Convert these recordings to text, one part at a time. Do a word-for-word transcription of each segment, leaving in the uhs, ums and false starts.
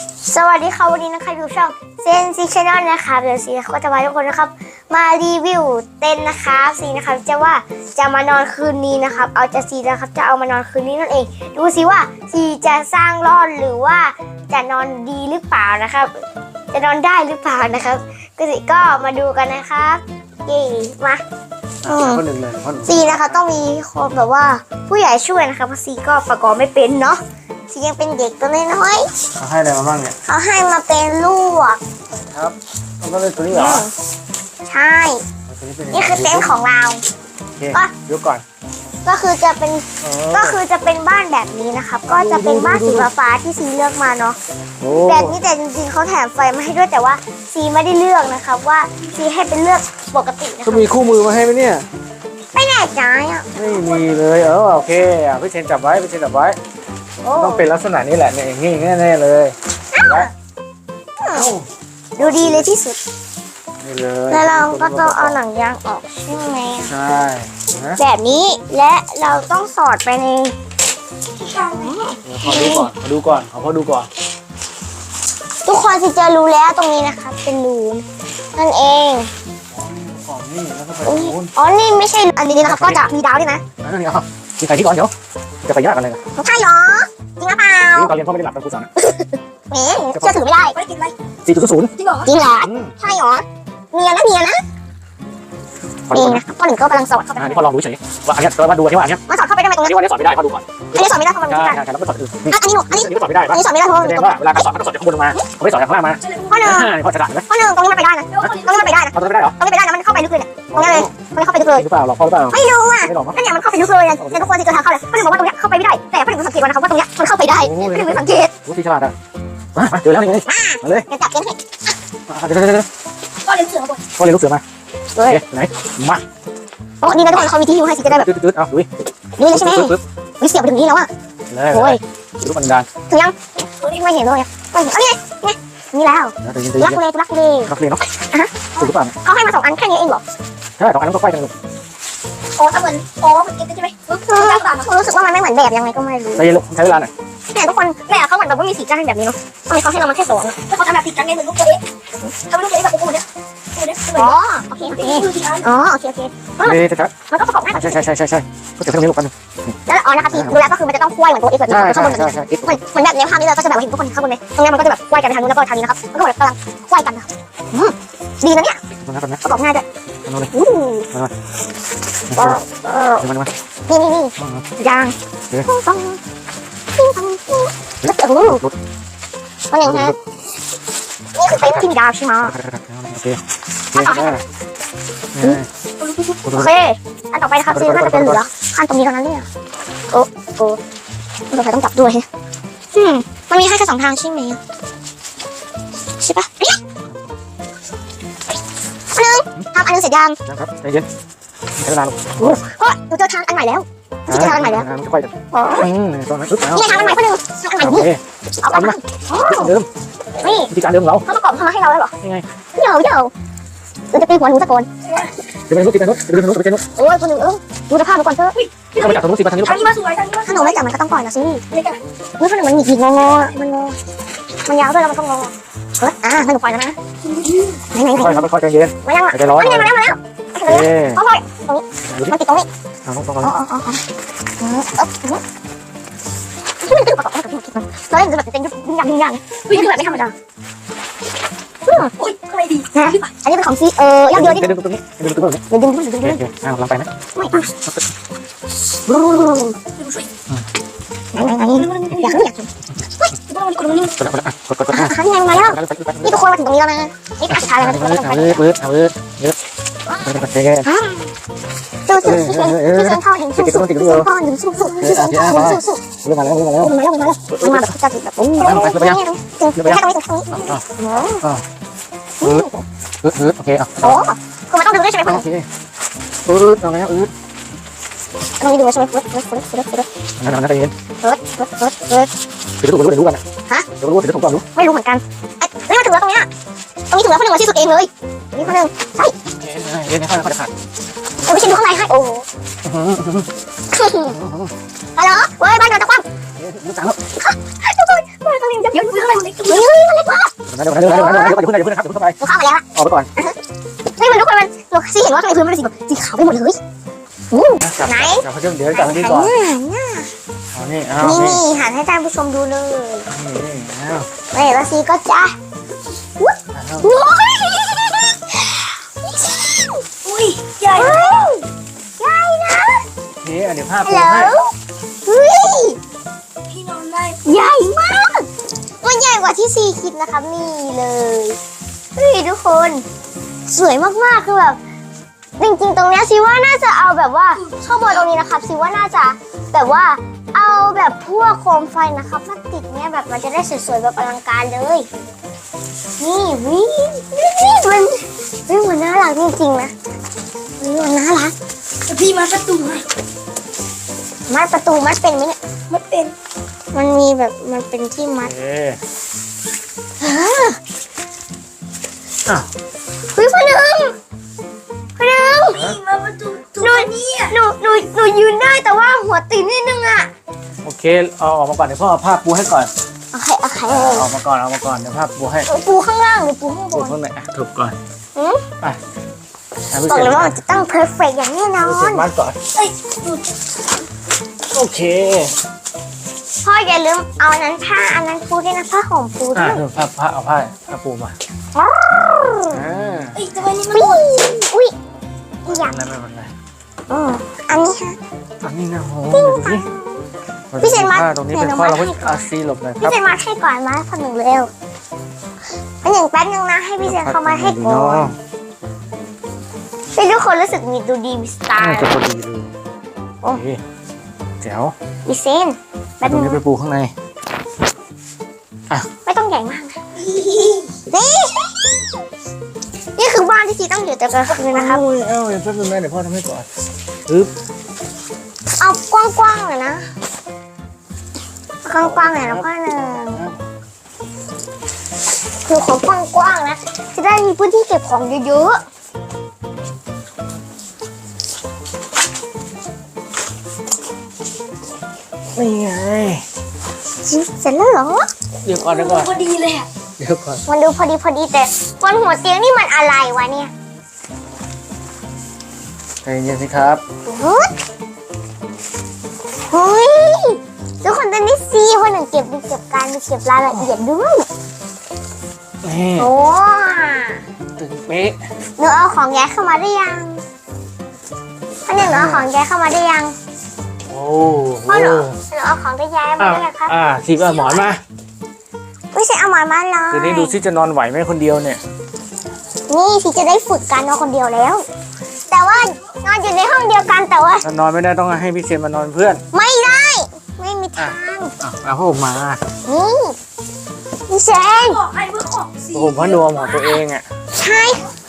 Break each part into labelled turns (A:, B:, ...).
A: สวัสดีค่ะวันนี้นะคะอยู่ช่องเซนซีชแนลนะคะเดี๋ยวซีก็จะมาทุกคนนะครับมารีวิวเต็นท์นะคะซีนะครับจะว่าจะมานอนคืนนี้นะครับเอาจะซีนะครับจะเอามานอนคืนนี้นั่นเองดูซิว่าซีจะสร้างรอดหรือว่าจะนอนดีหรือเปล่านะครับจะนอนได้หรือเปล่านะครับก็สิก็มาดูกันนะครับเย่มา
B: คนหนึ่งเลยคน
A: ซีนะคะต้องมีคนแบบว่าผู้ใหญ่ช่วยนะคะเพราะซีก็ประกอบไม่เป็นเนาะซียังเป็นเด็กตัวน้อย
B: ๆเขาให้อะไรมาบ้างเนี่ย
A: เขาให้มาเป็นลูก
B: ครับมันก็เลยตัวนี้เหรอ
A: ใช่นี่คือเต็นท์ของเรา
B: ก็ยกก่อน
A: ก็คือจะเป็นก็คือจะเป็นบ้านแบบนี้นะครับก็จะเป็นบ้านสีฟ้าที่ซีเลือกมาเนาะแบบนี้แต่จริงๆเขาแถมไฟมาให้ด้วยแต่ว่าซีไม่ได้เลือกนะครับว่าซีให้เป็นเลือกปกตินะ
B: ก็มีคู่มือมาให้ไหมเนี่ย
A: ไม่แน่ใจอ่ะ
B: ไม่มีเลยเออโอเคพี่เชนจับไว้พี่เชนจับไว้ต้องเป็นลักษณะนี้แหละเนี่ยอย่างนี้แน่ๆเลย
A: ดูดีเลยที่สุด
B: นี่เลย
A: แล้วเราก็ต้องเอาหนังยางออกใช่ไหม
B: ใช่
A: แบบนี้และเราต้องสอดไปใน
B: ขอดูก่อนขอดูก่อนขอพ่อดูก่อน
A: ทุกคนสิจะรู้แล้วตรงนี้นะคะเป็นรูนั่นเอง
B: อ๋อนี่แล้วก็ไป
A: อ๋อนี่ไม่ใช่อันนี้นะครับก็จะมีดาวด้วยนะ
B: อันนี้อ่ะกินไก่ที่ก่อนเดี๋ยวจะไปยากกันเลย
A: ใช่เหรอจริงหรือเปล่า
B: ตอนเรียนพ่อไม่ได้หลับตอนครูสอน
A: แหมเชื่อถือไม่ได้ไม่ได้กินอะไร
B: สี่จุดศูนย์
A: จริงเหรอจริงเหรอใช่เหรอเนียนะเนียนะนี่นะพ่อหนึ่งก็กำลังสอดเข้าไป
B: นี่พ่อลองดูเฉยว่าอันนี้เรามาดูที่ว่าอันนี้
A: มาสอดเข้าไปได้ไหมตรงนี้
B: อันนี้สอดไม่ได้พ่อดูก่อน
A: อันนี้สอดไม่ได้เพราะมันไม่ได้
B: ใช่ใช่แล้วก็สอดอื่น
A: อันนี้หนูอันนี้
B: ก็สอดไม่ได้
A: อันนี้สอดไม่ได้เพราะมัน
B: แสดงว่าเวลาการสอดก็สอดจากข้างบนลงมาเขาไม่สอดจากข้างล่างมา
A: พ่อหนึ่ง
B: พ่อฉลาดไหม
A: พ่อหนึ่งตรงนี้มันไปได้นะตรงนี้มันไปได้นะ
B: เอาตรงนี้ไม่ได้เหรอ
A: ตรงนี้ไปได้นะมันเข้าไปลึกเลยเนี่ยตรงนี้เลยตรงนี้เข้าไปลึกเลย
B: หรือเปล่าหรอกพ่อหรือเปล่า
A: ไม่รู้อ่ะนั่นเนี่ยมันเข้าไปลึกเลยแต่ทุกคนจะเจอทางเข้าเลยพ่อหนึ่งบอกว่าตรงนี้เข้าไปไม่ได้แต่พ่อหนึ่งสังเกตว่านะครับว่าตรงนี้มันเข้าไปได้พ่อหนึ่งสังเกต
B: รู้ที่ฉลาดอ่ะมาเจอแล้วนี่ไงมาเลย
A: จะจับเต็นท์ให้
B: เดี๋ยวเดี๋ยวเดี๋ยว
A: ก็เลี้ยงเสือมาก่อน
B: ก็เลี้ยงลูกเสือมาเฮ้ยไหนมา
A: โอ้นี่นะทุกคนเขามีที่อยู่ให้สิจะได้แบบ
B: ตืดๆเอาดูดิ
A: นี่เลยใช่ไหมวิเสียบไปถึงนี้แล้วอ่ะ
B: โอ้ยรูปบันดาล
A: ถึงยังไม่เห็นเลยอ่ะไม่เห็นนี่นี่นี่แล้วรักเลยรักเลย
B: รักเลยเนาะถูกหรือเปล่า
A: เขาให้มาสองอันแค่นี้เองเหรอ
B: ใช่สองอันก็ค่อยกันลูก
A: โอ้ถ้าเหมือนโอ้เหมือนกินใช่ไหมรู้สึกว่ามันไม่เหมือนแบบยังไงก็ไม่รู้
B: ใช้ใช้เวลาหน่อย
A: เนี่ยทุกคนแม่เขาเหมือนแบบว่ามีสีจ้างแบบนี้เนาะทำไมเขาให้เรามาแค่สองแล้วเขาทำแบบติดกันไงเหมือนลูกเจ๊ทำลูกเจ๊แบบกูเนี่ยอ๋อโอเคโอเคอ๋อโอเคโอเค
B: นี่ชัด
A: มันก็ประกอบง่าย
B: ใช่ใช่ใช่ใช่ใช่ก็จะเพิ่มนี้ลูกกัน
A: แล้วอ๋อนะคะทีดูแล้วก็คือมันจะต้องควายเหมือนตัวเอ็กซ์แบบนี้ข้างบนแบบนี้เหมือนเหมือนแบบในภาพนี้เลยก็จะแบบเห็นทุกคนข้างบนเลยตรงนี้มันก็จะแบบควายกันทางนู้นแล้วก็ทางนี้นะครับมันก็แบบกำลังควายกันนะดีนะเนี่ยประกอบง่ายด้วยอู้นี่นี่นี่ยางต้องต้องแล้วโอ้โหก็ยังไงนี่คือเต็นท์ที่มีดาวใช่ไหม
B: โอเค
A: โอเคอันต่อไปนะครับซีน่าจะเป็นเหลือขั้นตรงนี้เท่านั้นเนี่ยโอ้โอ้ต่อไปต้องจับด้วยอืมมันมีให้แค่สองทางใช่ไหมใช่ปะอันนึงทำอันนึงเสร็จยัง
B: ครับใจเย็นใช้เวลา
A: โอ้โหดูเจอทางอันใหม่แล้วเจอทางอันใหม่แล้ว
B: ค่อยกันอืมตอนนั้นปึ๊บแล้ว
A: นี่ทางอันใหม่เพื่อนทางอันใหม่นี่เอาไปมา
B: เดิม
A: นี่
B: วิธีการเดิมเรา
A: เขาประกอบทำมาให้เราแล้วเหรอ
B: ยังไง
A: เดี๋ยวเดี๋ยวเราจะตีหัวหนูสักคน
B: เดี๋ยวไปนู้นตีกันนู้นเดี๋ยวไปนู้นไปนู้น
A: โอ้ยคนหนึ่งเออดูสภาพดูก่อนเถอะ
B: เอาไปจับตรงนู้นสิมาทางนี้ลูก
A: ทางนี้มาสวยทางนี้มาถ้าหนูไม่จับมันก็ต้องปล่อยนะสินี่คนหนึ่งมันหงิกงองอมันงอมันยาวด้วยแล้วมันก็งอเฮ้ยอ่าให้หนูปล่อยแล้วนะไหนไหน
B: ค่อยครับค่อยใจเย็น
A: มายังอ่ะ
B: ใจร้อน
A: มาแล้วมาแล้วมาแล้วโอเคพ่อพ่อตรงนี้มันติดตรงนี้
B: อ๋อต้อง
A: อ๋ออ๋ออ๋ออืมเอ๊ะที่มันตึ๊บประกอบกับที่มันเราเล่นแบบเต็มยุบยิ่งยังยิ่งยังนี่คือแบบไม่ธรรมดาโอ้ยทำไมดีนะอันนี้เป็นของซีเออยากเดียวนี่
B: ดึงตรงนี้ดึงตรงนี้
A: ดึงดึงดึงดึงดึง
B: อ่าลองไปนะ
A: ไม่อ่ะไหนไหนไหนอยากรู้อยากกดกด
B: กดกดกดอ่ะ
A: ครั้งยังมาแล้วนี่ทุกคนมาถึงตรงนี้แล้วนะนี่สุดท้ายแล้วนะทุกคนต้องไป
B: เอาเวิร์ดเอาเวิร์ดเยอะเจ๊
A: สู้สู้สู้สู้สู้พ่อเห็นสู้สู้สู้พ่อหนึ่งสู้สู้สู้สู้พ่อสู้สู้
B: เรื่องมาแล้วเรื่องมาแล้ว
A: มาแล้วมาแล้วมาแบบจะแบบโอ้ยแค่ตรงนี้ตรงนี้
B: อ๋อเออเออเออโอเคอ่ะ
A: โอ้คือมันต้องดูด้วยใช่ไหมพ่อ
B: โอเคเออเอาแล้วเออ
A: ตรงนี้ดูใช่ไหมเฟิร์สเฟิร์สเฟิร์สเฟิร์สเฟิร์ส
B: นั่นนั่นใจเย็น
A: เฟิร์สเฟิร์สเฟิร์สเฟิร์ส
B: ถือถูกรู้เดี๋ยวรู้กัน
A: ฮะ
B: เดี๋ยวรู้เดี๋ยวถูกก่อนรู้
A: ไม่รู้เหมือนกันไอ้นี่มันถึงแล้วตรงนี้ตรงนี้ถึงแล้วคนหนึ่งมาที่สุดเองเลยนี่คนหนึ่งใช่
B: เย็นค่อยค่อยขาด
A: แต่ไม่ใช่ดูข้างในให้โอ้โหฮัลโหลเว้ยบ้านเราจะคว่ำ
B: รู้จักแล้ว
A: ทุกคนบ้านเราเยอะเยอะข้างในมันเล็ก
B: เดี๋ยวนะเดี๋ยวนะเดี๋ยวนะเดี๋ยวนะเดี๋ยวนะเดี๋ยวนะเดี๋ยวนะเดี๋ยวนะเดี๋ยวเข้าไป
A: หนูเข้ามาแล้วอะ
B: ออกไปก่อน
A: เฮ้ยมันทุกคนมันหนูซีเห็นว่าทำไมพื้นมันเป็นสีแบบสีขาวไปหมดเลยอู้
B: จับ
A: ไหน
B: จับเขาเดี๋ยวจับที่ก่อน
A: หน้า
B: เอานี่เอา
A: นี่
B: นี่
A: นี่หันให้ท่านผู้ชมดูเลย
B: นี่เอา
A: นี่แล้วซีก็จะ
B: เอา
A: โอ้ย
C: อุ้ยใหญ่
A: เฮ้ยใหญ่นะ
B: นี่เดี๋ยวภาพ
A: ฮัล
B: ปู
A: โหล
B: ให้
A: เฮ้ย
C: พี่นอนได้
A: ใหญ่มากมันใหญ่กว่าที่ซีคิดนะครับนี่เลยเฮ้ยทุกคนสวยมากๆคือแบบจริงๆตรงเนี้ยซีว่าน่าจะเอาแบบว่าข้างบนตรงนี้นะครับซีว่าน่าจะแบบว่าเอาแบบพวกโคมไฟนะครับมาติดเนี่ยแบบมันจะได้สวยๆแบบอลังการเลยนี่วินี่มันนี่มันน่ารักจริงๆนะนี่มันน่ารัก
C: แต่พี่มาประตูให้
A: มัดประตูมัดเป็นไหมเนี่ย
C: ไม่เป็น
A: มันมีแบบมันเป็นที่มัด
B: เอ๊ะ
A: เออ
B: อ้าว
A: เฮ้ยพ่อหนึ่งพ่อหนึ่ง
C: พี่มาประตูตู
A: หนู
C: นี่อ่ะ
A: หนูหนูหนูยืนได้แต่ว่าหัวติดนิดนึงอะ
B: โอเคเอาออกมาก่อนเดี๋ยวพ่อเอาผ้าปูให้ก่อน
A: โอเคโอเค
B: เอาออกมาก่อนเอามาก่อนเดี๋ยวผ้าปูให้
A: ปูข้างล่างหรือปูข้างบ
B: ปู
A: น
B: ข้างในอ่ะถูกก่อน
A: อืม
B: ไปให้พี่
A: บอก
B: เซ
A: เลย
B: น
A: ว่ามันจะต้องเพอร์เฟกอย่างแน่นอ
B: พี่เซ
A: น
B: นมัดก่อน
C: เอ้ยหนูจะ
B: โอเค
A: พ่ออย่าลืมเอาอันนั้นผ้าอันนั้นปูด้วยนะผ้าห่มปูด้
B: อ่ะ
A: วย
B: เดี๋ยวผ้าผ้าเอาผ้าผ้าปูมา
A: อ้าว
B: อ่า
C: เอ้ยทำไมนี่มัน
A: อุ้
C: หมด
A: ยอุ้ยอยาก
B: ไม่เป็นไรไม่เป็นไร
A: อืมอันนี้ฮะ
B: อันนี้นะโอ้โหดูสิ
A: พี่เซนมัด
B: ผ้าตรงนี้เป็น
A: เดี๋ยว
B: ผ้าเรา
A: มั
B: ก็
A: ดให้ก่อน
B: อาซีหลบหน่อยค
A: พี่
B: รับ
A: เซนมาให้ก่อนมาพ่อหนึ่งเร็วอันหนึ่งแป๊บนึงนะให้พี่เซนเข้ามาให้ก่อนพี่ทุกคนรู้สึกมีดูดีมีสไต
B: น่า
A: ล์
B: จะพอดีเลย
A: โอ้
B: โอเคแจ๋ว
A: พี่เซนแป๊บ
B: ตรง
A: นึ
B: นี้
A: ง
B: ไปปูข้างใน
A: ไม่ต้องใหญ่มากนะนี่นี่คือบ้านที่ซีต้องอยู่แต่กลางคืนนะครับ
B: โอ้ยเอ้าเดี๋ยวแป๊บนึงนะเดี๋ยวพ่อทำให้ก่อนปึ๊บ
A: เอากว้างๆเลยนะกว้างๆหน่อยนะพ่อหนึ่งคือของกว้างๆนะจะได้มีพื้นที่เก็บของเยอะ
B: นี่ไง
A: ๆเสร็จแล้วเหรอ
B: เดี๋ยวก่อนเดี๋ยวก่อน
C: พอดีเลยอ่ะ
B: เดี๋ยวก่อน
A: มันดูพอดีพอดีแต่บนหัวเตียงนี่มันอะไรวะเนี่ย
B: ใจเย็นสิครับ
A: เฮ้ยเฮ้ยทุกคนตอนนี้ซีคนหนึ่งเก็บดีเก็บการมีเก็บรายละเอียดด้วย
B: นี่
A: โอ้
B: ตึงเป๊ะ
A: หนูเอาของย้ายเข้ามาได้ยังพ่อหนึ่งหนูเอาของย้ายเข้ามาได้ยัง
B: โอ้
A: พ่อ
B: โห
A: หนูหนูเอาของได้ย้ายมา
B: อ่า
A: ได้ยังครับ
B: อ่าทีก็หมอนมา
A: ไม่ใช่เอาหมอนมาเลย
B: คืนนี้ดูซิจะนอนไหวไหมคนเดียวเนี่ย
A: นี่พี่จะได้ฝึกการนอนคนเดียวแล้ว แต่ว่านอนอยู่ในห้องเดียวกันแต่ว่า
B: ถ้านอนไม่ได้ต้องให้พี่เซนมานอนเพื่อน
A: ไม่ได้ ไม่มีทาง
B: อ่ะเอาผ้าห่มมา
A: นี่พี่เชน
C: บอกให้เพื่อของสี
B: ผ้าห่มผ้านวมของตัวเองอ่ะ
A: ใช่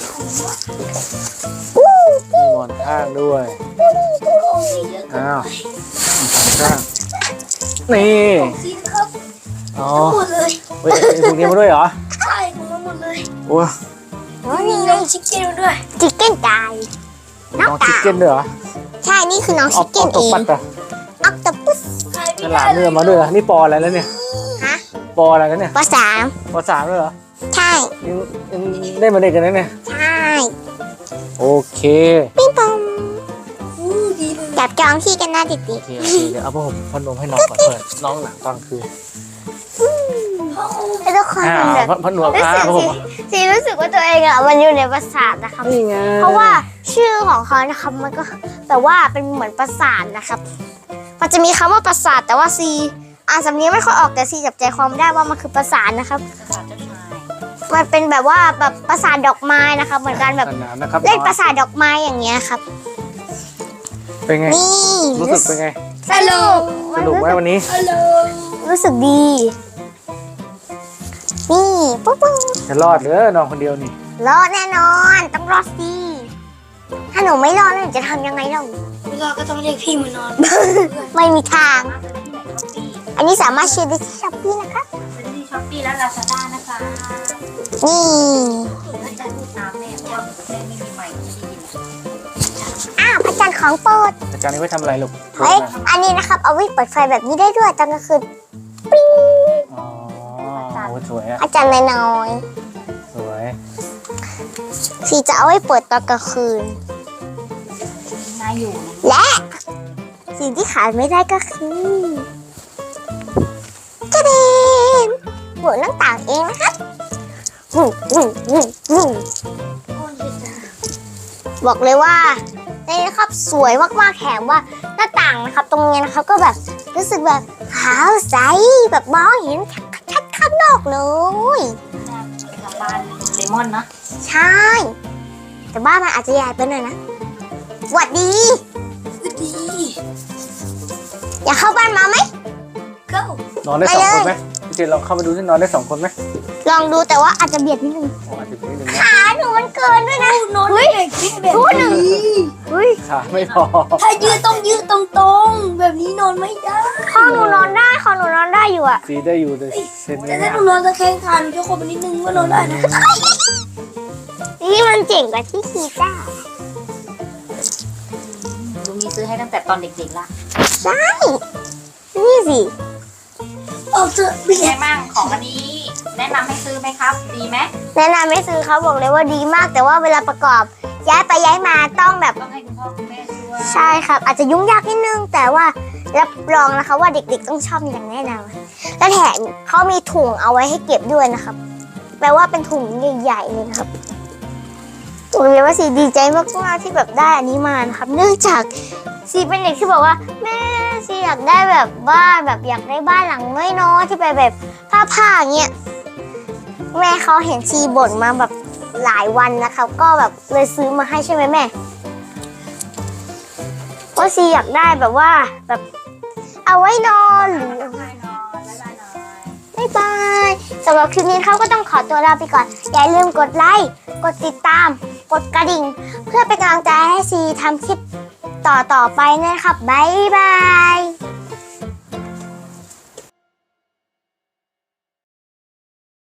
A: อู้
B: มีหมอนข้างด้วย
C: ของสีเยอะเกิน
B: อ้าวหมอนข้างนี่
C: ของสีนะครับ
B: อ๋อ
C: หมดเลย
B: เฮ้ยไอ้พวกนี้มาด้วยเหรอ
C: ใช่ของมันหมดเลย
B: โอ้ย
A: โอ้ย
C: มี
A: นี่
C: น้องชิคเก้นมาด้วย
A: ชิคเก้นตาย
B: น้องชิคเก้นด้วยเหรอ
A: ใช่นี่คือน้อง
B: อ
A: ชิ
B: อ
A: ค
B: ก
A: เก้
B: อน อก
A: เอ
B: ต
A: ง
B: ปัดอ่ะ
A: ออกตปุส
C: ใคร
B: ฉลามเรือมาด้วยเหรอนี่ปออะไรแล้วเนี่ย
A: ฮะ
B: ปออะไรแล้วเนี่ย
A: ปสาม
B: ปอสามด้วยเหรอ
A: ใช่
B: ยังยังได้มาเด็กกันนะเนี่ย
A: ใช่
B: โอเค
A: ปิ้งปอง
C: อู้ดีเลย
A: จับจองที่กันนะติด
B: โอเคโอเคเดี๋ยวเอาผ้าห่มผ้านวมให้น้องก่อนเพื่อนน้องหนังตอนคืน
C: พ่อครู
A: ๆแล้วทุกคน
B: อ่า
A: แบบ
B: ผ้าผ้านวม
A: รู้
B: อ่า
A: สึก
B: ผ้าห่ม
A: สิสิรู้สึกว่าตัวเองอ่ะมันอยู่ในปราสาทนะครับ
B: นี่ไง
A: เพราะว่าชื่อของเขานะครับมันก็แต่ว่าเป็นเหมือนปราสาทนะครับ มันจะมีคำว่าปราสาทแต่ว่าซีอ่านสำเนียงไม่ค่อยออกแต่ซีจับใจความได้ว่ามันคือปราสาทนะครับ มันเป็นแบบว่าแบบปราสาทดอกไม้นะครับ เหมือนกันแบบ
B: สนามนะครับ
A: เล่นปราสาทดอกไม้อย่างเงี้ยครับ
B: เป็นไง
A: นี่
B: รู้สึกเป็นไง
A: สนุก
B: สนุกไหมวันนี้
C: ฮัลโหล
A: รู้สึกดี นี่ปุ๊บปุ๊บ
B: จะรอดเหรือน้องคนเดียวนี่
A: รอดแน่นอน ต้องรอดสิถ้าหนูไม่รอดแล้วหนูจะทำยังไงเล่า
C: เวลาก็ต้องเรียกพี่มานอน
A: ไม่มีทาง อันนี้สามารถเชื่อได้ที่ช้อปปี้นะคะ
D: ซื้อที่ช้อปปี้และลาซาด้านะคะ
A: นี่
D: อาจารย์พูดตามแม่ว่าแม่ไม่มีใหม่ไม่ได้ยิน
A: อ้าวพระจันทร์ของโปรด
B: อาจารย์นี่ไว้ทำอะไรลูก
A: เฮ้ยอันนี้นะครับ เอาไว้เปิดไฟแบบนี้ได้ด้วยตอนกลางคืน
B: อ๋อ
D: อาจารย์
B: โอ้สวยอะ
A: อาจารย์น้อย
B: สวย
A: ๆสีจะเอาไว้เปิดตอนกลางคืน
D: น่าอยู่นะ
A: และสิ่งที่ขาดไม่ได้ก็คือจะเด่นหมุนหน้าต่างเองนะครับวุ้งวุ้งวุ้งวุ้ง
C: โอ้ยจ้ะ
A: บอกเลยว่านี่นะครับสวยมากๆแถมว่าหน้าต่างนะครับ ตรงนี้นะครับก็แบบรู้สึกแบบขาวใสแบบมองเห็นชัดๆข้างนอกเลย
D: น่าเป็นทางบ้านเลมอนเนาะ
A: ใช่ แต่บ้านมันอาจจะใหญ่ไปหน่อยนะหวัดดี
C: ดี
A: อยากเข้าบ้านมาไหม
C: เก้าน
B: อนได้
A: ไป
B: สอง
A: เลย
B: คนไหมพี่เจนลองเข้ามาดูที่นอนได้สองคนไหม
A: ลองดูแต่ว่าอาจจะเบียดนิดนึง
B: โอ้อาจจะนิดนึงนะ
A: ขาหนูมันเกินด้วยนะ
C: นอนได้แบบนี้แบบ
A: พูดหนึ่ง
C: นี้
A: เฮ้ย
B: ขาไม่พอ
C: ถ้ายืดต้องยืดตรงๆ แบบนี้นอนไม่ได้
A: คอหนูนอนได้คอหนูนอนได้อยู่อะ
B: ซีได้อยู่แต่เซน
C: แต่
B: ไม่
C: ถ้าหนูนอนตะแคงขาหนูจะขดไปนิดนึงก็นอนได้นะ
A: นี่มันเจ๋งกว่าที่คิดอ่ะ
D: ลุงมีซื้อให้ตั้งแต่ตอนเด็กๆละ
A: ใช่นี่สิ
C: ออกเถอะ
D: เป็น
C: เบี
D: ไง
C: ยด
D: บ้างของอันนี้ แนะนำให้ซื้อไหมครับ ดีไหม
A: แนะนำไม่ซื้อเขาบอกเลยว่าดีมาก แต่ว่าเวลาประกอบย้ายไปย้ายมาต้องแบบ
D: ต้องให้คุณพ่อคุณแม่ช่วย
A: ใช่ครับ อาจจะยุ่งยากนิดนึง แต่ว่ารับรองนะคะว่าเด็กๆต้องชอบอย่างแน่นอนและแถมเขามีถุงเอาไว้ให้เก็บด้วยนะครับ แปลว่าเป็นถุงใหญ่ๆเลยนะครับบอกเลยว่าสีดีใจมากๆที่แบบได้อันนี้มานะครับ เนื่องจากสีเป็นเด็กที่บอกว่าแม่สีอยากได้แบบบ้านแบบอยากได้บ้านหลังน้อยๆที่ไปแบบผ้าๆอย่างเงี้ยแม่เขาเห็นชีบ่นมาแบบหลายวันนะครับ ก็แบบเลยซื้อมาให้ใช่ไหมแม่ว่าซีอยากได้แบบว่าแบบเอาไว้นอนหรือ
D: บ๊ายบายหน่อยบ๊ายบายหน่อย
A: บ๊ายบายสำหรับคลิปนี้เขาก็ต้องขอตัวลาไปก่อน อย่าลืมกดไลค์ กดติดตาม กดกระดิ่ง เพื่อเป็นกำลังใจให้ซีทำคลิปต่อๆไปนะครับ บ๊ายบาย